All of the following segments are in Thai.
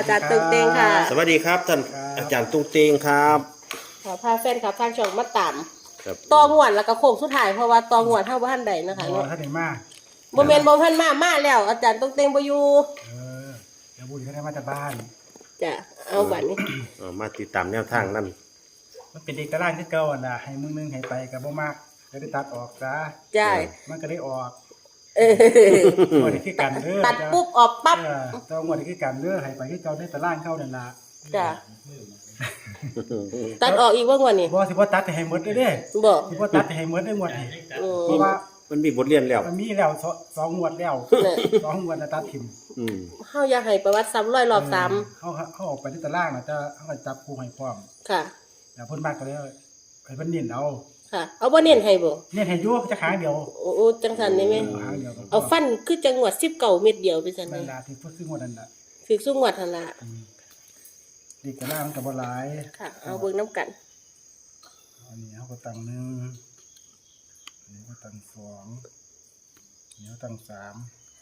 จารย์ตุ้งเตงค่ะสวัสดีครับท่านอาจารย์ตุ้งเตงครับขอพาแฟนครับทางช่องมาตามครับตองวดแล้วก็โค้งสุดท้ายเพราะว่าตองวดเท่าบ้านใดนะคะบ่เนาะท่านได้มาบ่แม่นบ่ทันมาแล้ว อาจารย์ตุ้งเตงบ่อยู่เดี๋ยวบุญเขาได้มาจากบ้านจ้ะเอาบัดนี้มาติดตามแนวทางนั่นมันเป็นเด็กตารางที่เก่าอ่ะนะให้มึงนึงให้ไปกับบ่มากก็ได้ตัดออกซะจ้ามันก็ได้ออกเอองวดนี้คือกันเด้อตัดปุ๊บออกปั๊บเจ้างวดนี้คือกันเด้อให้ไปที่เก่าได้ตารางเข้านั่นล่ะจ้ะตัดออกอีกว่างวดนี้บ่สิบ่ตัดให้หมดเด้อเด้บ่สิบ่ตัดให้หมดได้งวดนี้อืเพราะว่ามันมีบทเรียนแล้วมันมีแล้วสองงวดแล้วเนี่ยสองงวดแล้วตัดทิ่มอืมเฮาอยากให้ประวัติซ้ำร้อยรอบซ้เขาออกไปที่ตารางน่ะจะเฮาก็จับคู่ให้พร้อมำค่ะแล้วเพิ่นมากก็เลยให้เพิ่นเน้นเอาค่ะ เอาบ่เน้นให้บ่เน้นให้อยู่จะขางเดียวโอ้จังซั่นได้ไหมขางเดียวก็พเอาฟันคือจังหวัด19เม็ดเดียวไปซั่นนั่นี่นล่ะที่เพิ่นซื้องวดนั่นล่ะถึกสุงวดหั่นล่ะเด็กกระล่างกับบ่หลายค่ะ เอาเบิ่งนํกันอันนี้เขาก็ตั้งหนึ่งอันนี้ก็ตั้งสองอันนี้ก็ตั้งสาม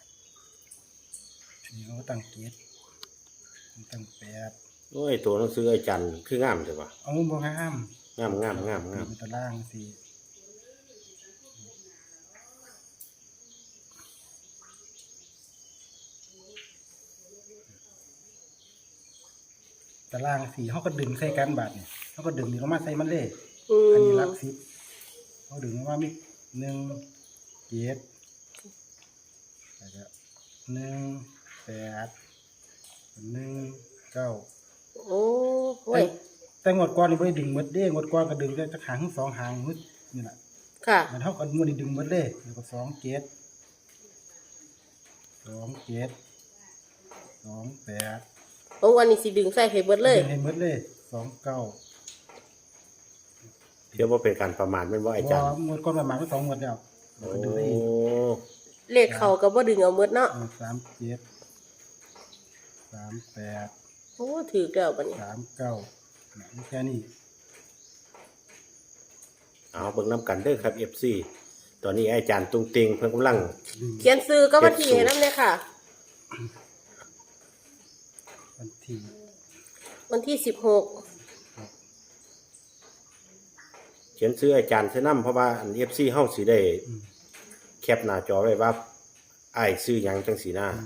อันนี้ก็ตั้งเจ็ดอันนี้ตั้งแปดโอ้ยตัวหนังสืออาจารย์คืองามใช่ปะเอาบ่งามงามงามงามงามเป็นตารางสี่ตารางสี่เขาก็ดึงใส่กันบาดเนี่ยเขาก็ดึงนี่ลงมาใส่มันเลยอือันนี้มหลักสิบเขาดึงว่ามีหนึ่งเจ็ดแล้วก็หนึ่งแปดหนึ่งเก้าโอ้โว้ยแต่งวดก่อนนี่ไม่ได้ดึงหมดเด้งวดก่อนก็ดึงได้จะหางทั้งสองหางมึดนี่แหละค่ะมันเท่ากันมันได้ดึงหมดเลยแล้วก็สองเจ็ดสองเจ็ดสองแปดโอ้วันนี้สิดึงใส่ให้เบิดเลยดึงให้หมดเลยสองเก้าเดี๋ยวว่าเป็นการประมาทเป็นว่าอาจารย์งวดก่อนประมาณก็สองงวดแล้วแล้โอ้วก็ดึงได้อีกเลขเขาก็บ่ดึงเอาเบิดเนาะสามเจ็ดสามแปดโอ้ถือแล้วบัดนี้สามเก้านี่แค่นี้เอาเบิ่งน้ำกันเด้อครับ FC ตอนนี้อาจารย์ตุ้งเตงเพิ่นกำลังดึงเขียนซื้อก็วันที่ให้นำเลยค่ะวันที่วันที่16 เขียนซื้ออาจารย์เสื้อน้ำเพราะว่าอัน FC เฮาสิได้แคปหน้าจอไว้ว่าอ้ายซื้อหยังจังสีหน้า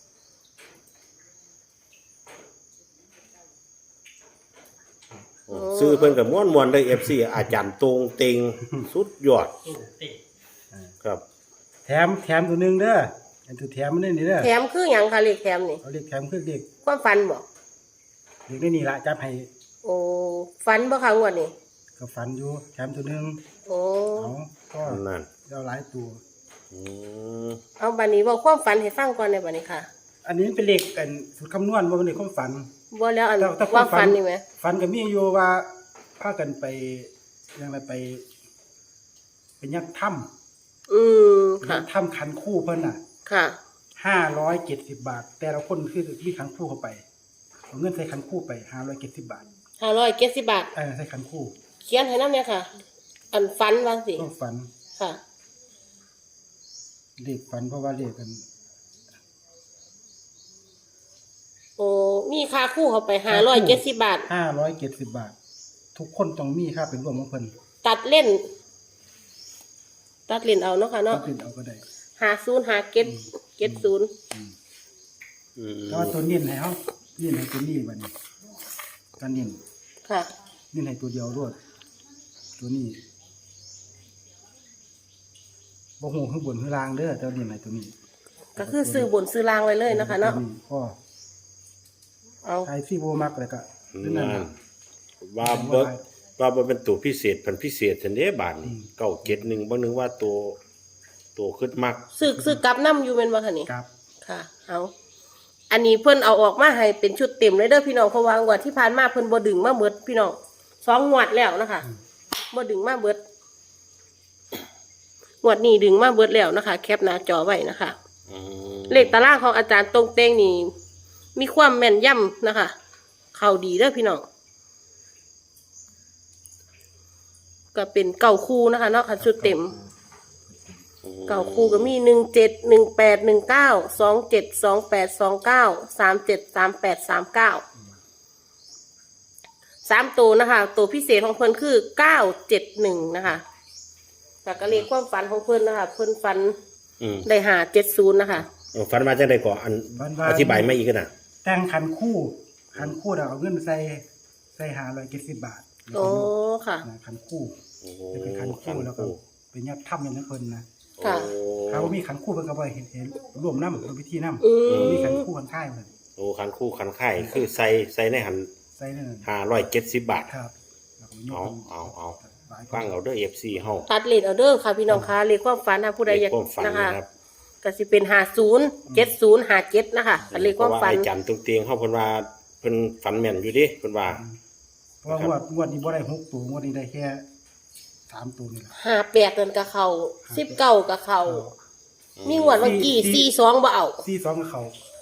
ซื้อเพิ่นก็ม่วนๆเลย FC อาจารย์ตุ้งเตงสุดยอดครับแถมตัวหนึงเด้ออันตัวแถมมันนี่เด้อแถมคือหยังคะเลขแถมนี่เขาเรียกแถมคือเด็กความฝันบ่เด็กได้นี่ละจับให้โอ้ฝันบ่คะงวดนี้ก็ฝันอยู่แถมตัวหนึงโอ้เอาก็นั่นเอาหลายตัวอืมเอาบัดนี้เว้าความฝันให้ฟังก่อนได้บัดนี้ค่ะอันนี้เป็นเลขอันสูตรคำนวณว่าเป็นเลขความฝันบ่แล้วอันแต่ว่าฝันนี่แหมฝันก็มีอยู่ว่าพากันไปยังไงไปยัดถ้ำอืมยัค่ะดถ้ำขันคู่เพิ่นน่ะค่ะ 570 บาท แต่ละคนคือมีขันคู่เข้าไปเอาเงินใส่ขันคู่ไป570 บาท 570 บาทใส่ขันคู่เขียนให้นำเนี่ยค่ะ อันฝันว่าสิต้องฝันค่ะเลขฝันเพราะว่าเลขกันโอ้มีค่าคู่เข้าไป570 บาท 570 บาท ทุกคนต้องมีค่าเป็นรวมของเพิ่นตัดเล่น ตัดเล่นเอาเนาะค่ะก็เนาะเป็นเอาก็ได้ 50 57 70 อืมแต่ว่าตัวเน้นให้เฮาเน้นให้ตัวนี้บัดนี้การเน้นค่ะเน้นให้ตัวเดียวรวดตัวนี้บ่ฮู้ข้างบนข้างล่างเด้อแต่ว่าเน้นให้ตัวนี้ก็คือซื้อบนซื้อล่างไว้เลยนะคะเนาะตัวพ่อเอาไอ้ที่บ่มักแล้วก็คือนั่นนั่นน่ะว่าเบิกว่าบ่เป็นตัวพิเศษเพิ่นพิเศษซั่นเด้บาดนี้971บ่นึงว่าตัวขึ้นมักซื้อกลับน้ำอยู่เป็นบ่คะนี่ครับค่ะ เอาอันนี้เพิ่นเอาออกมาให้เป็นชุดเต็มเลยเด้อพี่น้องเพราะว่างวดที่ผ่านมาเพิ่นบ่ดึงมาเบิดพี่น้อง2งวดแล้วนะคะบ่ดึงมาเบิดงวดนี้ดึงมาเบิดแล้วนะคะ แคปหน้าจอไว้นะคะอืมเลขตารางของอาจารย์ตรงเต้งนี่มีความแม่นยำนะคะ เข้าดีเด้อพี่น้องก็เป็นเก่าคู่นะคะเนาะค่ะชุดเต็มเก่าคู่ก็มี17 18 19 27 28 29 37 38 39 3ตัวนะคะตัวพิเศษของเพิ่นคือ971นะคะแต่ก็เลขความฝันของเพิ่นนะคะเพิ่นฝันได้570นะคะฝันมาจังได๋ก่อนอันอธิบายมาอีกกันน่ะแต่งขันคู่เอาเงินใส่570 บาทโอ้ค่ะนะขันคู่โอ้จะเป็นขันคู่แล้วก็เป็นยัดถ้ำอย่างนั้นเพิ่นนะค่ะถ้าว่ามีขันคู่เพิ่นก็บ่เห็นร่วมน้ำร่วมพิธีน้ำอืมมีขันคู่ขันค่ายเพิ่นโอ้คันคู่คันค่ายคือใส่ในหันใส่นั่น 570 บาทครับแล้วก็ยกเอาหลายคนฟังเอาเด้อ FC เฮาตัดเลขเอาเด้อค่ะพี่น้องคะเลขความฝันถ้าผู้ใดอยากเลขความฝันนะคะนะครับก็สิเป็น50 70 57นะคะอันเลขความฝันเพระไอ้จันตรงเตียงเฮาเพิ่นว่าเพิ่นฝันแม่นอยู่ดิเพิ่นว่าเพราะว่างวดนี้บ่ได้6ตัวงวดนี้ได้แค่3ตัวนี่แหละ 58นั่นก็เข้า19ก็เข้ามีงวดเมื่อกี้42บ่เอา 42กับเขา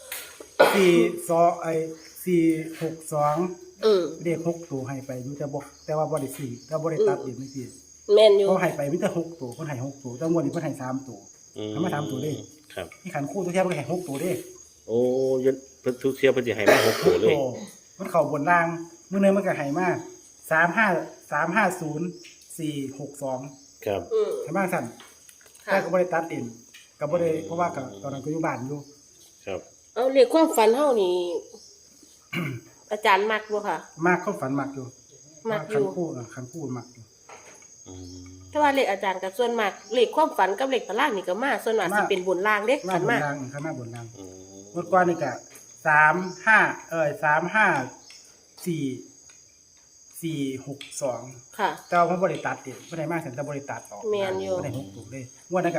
42462เลข6ตัวให้ไปอยู่แต่ว่าบ่ได้ซื้อแต่บ่ได้ตัดเองไม่ผิดแม่นอยู่เขาให้ไปมีแต่6ตัวเพิ่นให้6ตัวแต่งวดนี้เพิ่นให้3ตัวทำมา3ตัวเด้ครับที่ขันคู่ตัวแท้เพิ่นให้6ตัวเด้โอ้ยนเพิ่นทุกเที่ยวเพิ่นสิให้มา6ตัวเลยมันเข้าบนล่างมื้อนึงมันก็ให้มา35350 462 ครับให้มาสั่นค่ะแต่ก็บ่ได้ตัดเองก็บ่ได้เพราะว่าก็ตอนนั้นก็อยู่บ้านอยู่ครับเอาเลขความฝันเฮานี่ อาจารย์มักบ่ค่ะมากความฝันมากอยู่มักอยู่ขันคู่มากอยู่อืมแต่ว่าเลขอาจารย์กับส่วนมากเลขความฝันกับเลขตารางนี่ก็มาส่วนมากสิเป็นบนล่างเด้มาขันบนมาล่างข้างหน้าบนล่างอืมงวดก่อนนี่ก็362 ค่ะแต่ว่าผมบ่ได้ตัดเองบ่ได้มาสั่นแต่บ่ได้ตัดออกแม่นอยู่บ่ได้6ตัวเลยงวดนั้นก็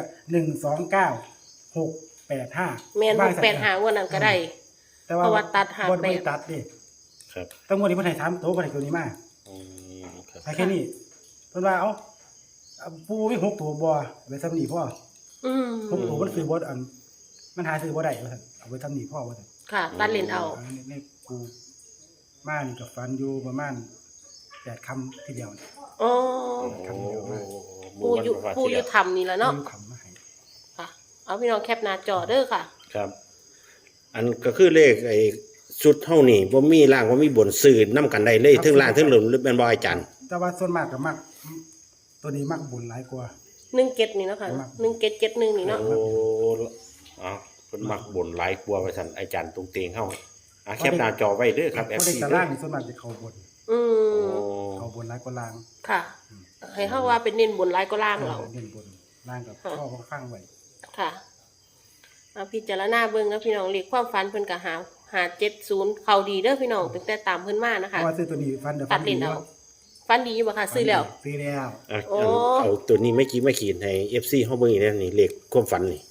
129685 แม่น685งวดนั้นก็ได้แต่ว่าเพราะว่าตัดหาบ่ได้แปดตัดเด้ครับแต่งวดนี้เพิ่นให้3ตัวเพิ่นให้ตัวนี้มาอืมครับให้แค่นี้เพิ่นว่าปูมี6ตัวบ่เอาไปซ้ำนี่พ่ออืม 6ตัวมันซื้อบ่มันหาซื้อบ่ได้ว่าซั่นเอาไปซ้ำนี่พ่อว่าซั่นค่ะ ตัดเลนเอานี่กูมานี่ก็ฟันอยู่ประมาณ8คำทีเดียวนี่อ๋อโอ้ปูอยู่ทำนี่แหละเนาะคำมาให้ค่ะ เอาพี่น้องแคปหน้าจอเด้อค่ะครับ อันก็คือเลขไอ้ชุดเท่านี้บ่มีล่างบ่มีบนสื่อนํกันได้เลยทั้งล่างทั้งหลุมหรือแม่นบ่อาจารย์แต่ว่าส่วนมากก็มักตัวนี้มักบุญหลายกว่า 17นี่เนาะค่ะ1771นี่เนาะโอ้เอาเพิ่นมักบ่นหลายกลัวว่าซั่นอาจารย์ตรงเตียงเฮาแคปหน้าจอไว้เด้อครับเพราะ FC เด็กตารางนี่ส่วนมากจะเข้าบนอืมโอ้เข้าบนหลายกว่าล่างค่ะ ให้เฮาว่าเป็นเน้นบนหลายก็ล่างเราเน้นบนล่างกับพ่อข้างไว้ค่ะมาพิจารณาเบิ่งนะพี่น้องเลขความฝันเพิ่นก็หา70เข้าดีเด้อพี่น้องตั้งแต่ตามเพิ่นมานะเพคะราะว่าซื้อตัวนี้ฟันเดี๋ยวตัดเลนเอาฝันดีบ่ค่ะซื้อแล้วซื้อแล้วโอ้เอาตัวนี้ไม่ขีดให้ FC เฮาเบิ่งอีกแล้วนี่เลขความฝันนี่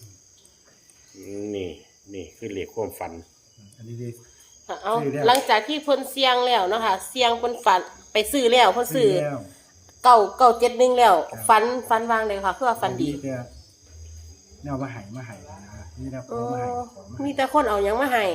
นี่คือเลขความฝันอันนี้ดีเอาซื้อแล้วหลังจากที่เพิ่นเสี่ยงแล้วเนาะค่ะเสี่ยงเพิ่นฝันไปซื้อแล้วเพิ่นซื้อแล้ว 971แล้วฝันวางเลยค่ะคือว่าฝันดีแต่แนวมาใหายนะนี่แนวขอ๋ออมาใหายของมามีแต่คนเอาหยังมาให้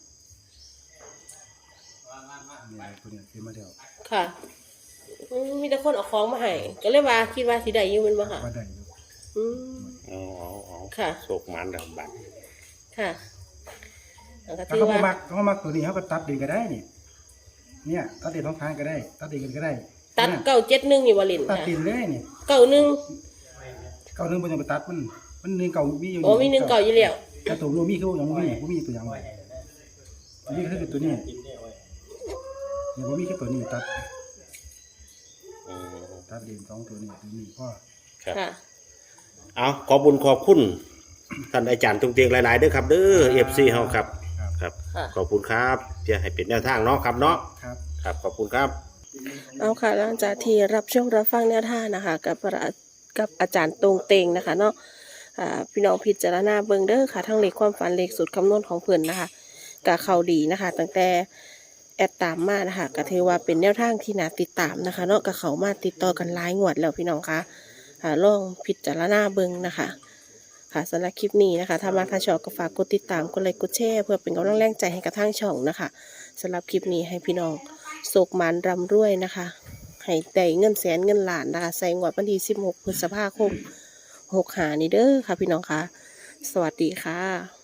นี่ตัวนี้ซื้อมาเดียวค่ะมีแต่คนเอาของมาให้ก็เลยว่าคิดว่าสิได้อยู่แม่นบ่ค่ะว่าได้อยู่อืมเอาค่ะโชคหมานดังบัดค่ะแล้วก็ถ้าถือเขาว่าเขามักตัวนี้เขาก็ตัดเองก็ได้นี่เนี่ยตัดเองท้องทางก็ได้ ตัดเองกันก็ได้ตัดเนี่ย 971นี่บ่เล่นตัดค่ะเองเลยนี่ 91 เก่าหนึ่งเป็นยังไปตัดมันหนึ่งเก่ามีอยู่โอ้มี1 9อยู่แล้วแต่ตัวรูมีคือยังมีตัวยังนี่คือตัวนี้เนี่ยว่ามีแค่ตัวนี้ตัดอืมตัดเอง2ตัวนี้พ่อครับค่ะเอาขอบคุณท่านอาจารย์ตรงเตียงหลายๆเด้อครับเด้อ FC เฮาครับครับค่ะขอบคุณครับที่ให้เป็นแนวทางเนาะครับเนาะครับครับขอบคุณครับเอาค่ะหลังจากที่รับชมรับฟังแนวทางนะคะกับอาจารย์ตรงเตงนะคะเนาะพี่น้องพิจารณาเบิ่งเด้อค่ะทั้งเลขความฝันเลขสูตรคำนวณของเพิ่นนะคะก็เข้าดีนะคะตั้งแต่แอดตามมานะคะก็ถือว่าเป็นแนวทางที่น่าติดตามนะคะเนาะก็เข้ามาติดต่อกันหลายงวดแล้วพี่น้องคะลองพิจารณาเบิ่งนะคะค่ะสำหรับคลิปนี้นะคะถ้ามาทางช่องก็ฝากกดติดตามกดไลค์กดแชร์เพื่อเป็นกำลังแรงใจให้กับทางช่องนะคะสำหรับคลิปนี้ให้พี่น้องโศกหมันรำรวยนะคะให้ได้เงินแสนเงินล้านนะคะใส่งวดวันที่16 พฤษภาคม 6 หานี่เด้อค่ะพี่น้องค่ะสวัสดีค่ะ